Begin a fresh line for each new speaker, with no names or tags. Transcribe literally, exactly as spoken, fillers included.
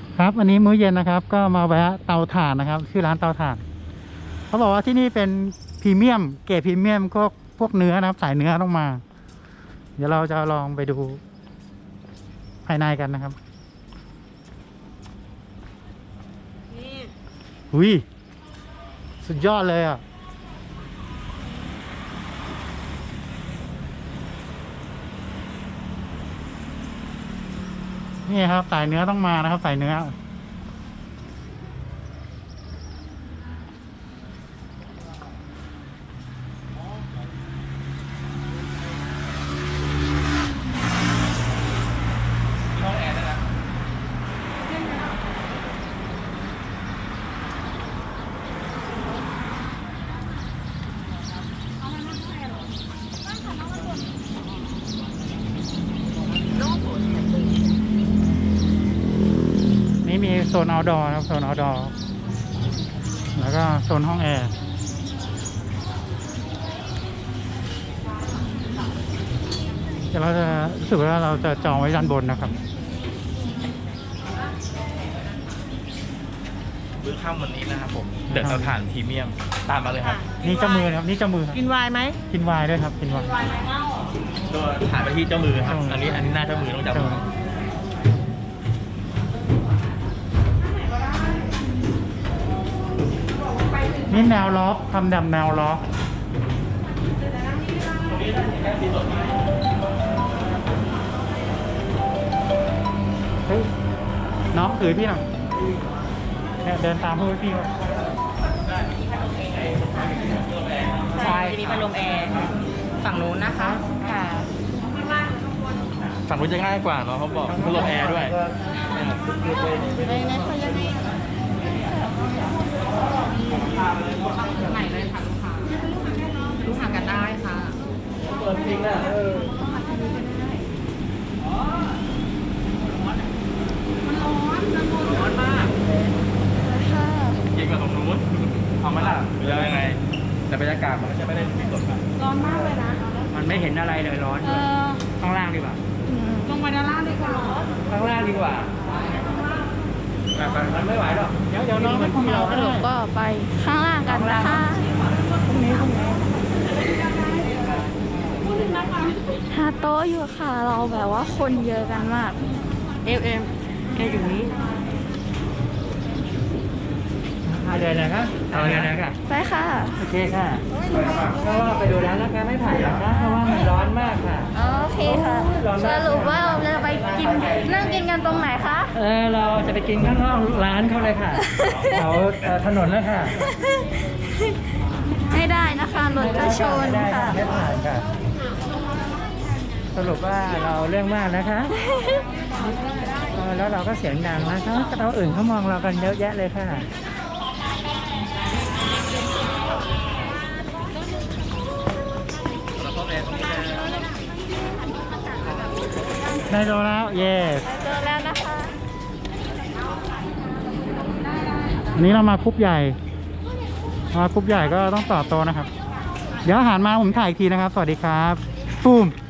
ครับอันนี้มื้อเย็นนะครับก็มาแวะเตาถ่านนะครับชื่อร้านเตาถ่านเขาบอกว่าที่นี่เป็นพรีเมียมเกรดพรีเมียมก็พวกเนื้อนะครับสายเนื้อต้องมาเดี๋ยวเราจะลองไปดูภายในกันนะครับ
นี่
หุยสุดยอดเลยอ่ะนี่ครับสายเนื้อต้องมานะครับสายเนื้อนี่มีโซน outdoor นะครับโซน outdoor แล้วก็โซนห้องแอร์เดี๋ยวเราจะรู้สึกว่าเราจะจองไว้ด้านบนนะครับ
มื้อค่ำวันนี้นะครับผมเดือดเตาถ่านพรีเมียมตามมาเลยครับ
นี่เจ้ามือครับนี่เจ้ามือครับ
กินไวน์ไหม
กินไวน์ด้วยครับกินไวน์
ตัวถ่านไปที่เจ้ามือครับอันนี้อันนี้หน้าเจ้ามือต้องจับ
นี่แนวล็อกทำแบบแนวล็อกเฮ้ยน้องถือพี่หน่อยเนี่ยเดินตามพวกพี่เขา
ใช่จะมีพัดลมแอร์ฝั่งนู้นนะคะค่ะ
ฝั่งนู้นจะง่ายกว่าเนาะเขาบอกพัดลมแอร์ด้วย
ในในเขายังไงไหนเลยค่ะลูกค้าลูกค้ากันได้ค่ะเปิดจริงอ่ะเออมันร้อนมันร้อนมาก
เย็นกว่าตรงนู้นเอาไหมล่ะหรือยังไงแต่บรรยากาศมันก็จะไม่ได้มีสด
ร้อนมากเลยนะ
มันไม่เห็นอะไรเลยร้อน
เออ
ข้างล่างดีกว่า
ลงมาด้านล่างดีกว่า
ข้างล่างดีกว่ามันไม่ไหวหรอกเดี๋ยวเดี๋ยวน้องมันเรา
สรุปก็ไปข้างล่างกันนะคะหาโต๊ะอยู่ค่ะเราแบบว่าคนเยอะกันมาก
เอ็มเอ็มแค่อยู่นี้
เดินนะครับเอาเดินนะครับ
ไปค่ะ
โอเคค่ะก็ว่าไปดูแล้วนะคะไม่ถ่ายนะคะเพราะว่ามันร้อนมากค่ะ
โอเคค่ะ สรุปว่าเราจะไปกินนั่งกินกันตรงไหนคะ
เออเราจะไปกินข้างนอกร้านเขาเลยค่ะแถวถนนแล้วค่ะ
ไม่ได้นะคะรถกระชน
ไม่ได้
ค่ะ
ไม่ผ่านค่ะ สรุปว่าเราเรื่องมากนะคะเออแล้วเราก็เสียงดังนะคะเราอื่นเขามองเรากันเยอะแยะเลยค่ะได้โดนแล้ว เยส
เจอแล้วนะคะ
อันนี้เรามาคุปใหญ่มาคุปใหญ่ก็ต้องต่อโตนะครับ เดี๋ยวอาหารมาผมถ่ายอีกทีนะครับ สวัสดีครับปุ้ม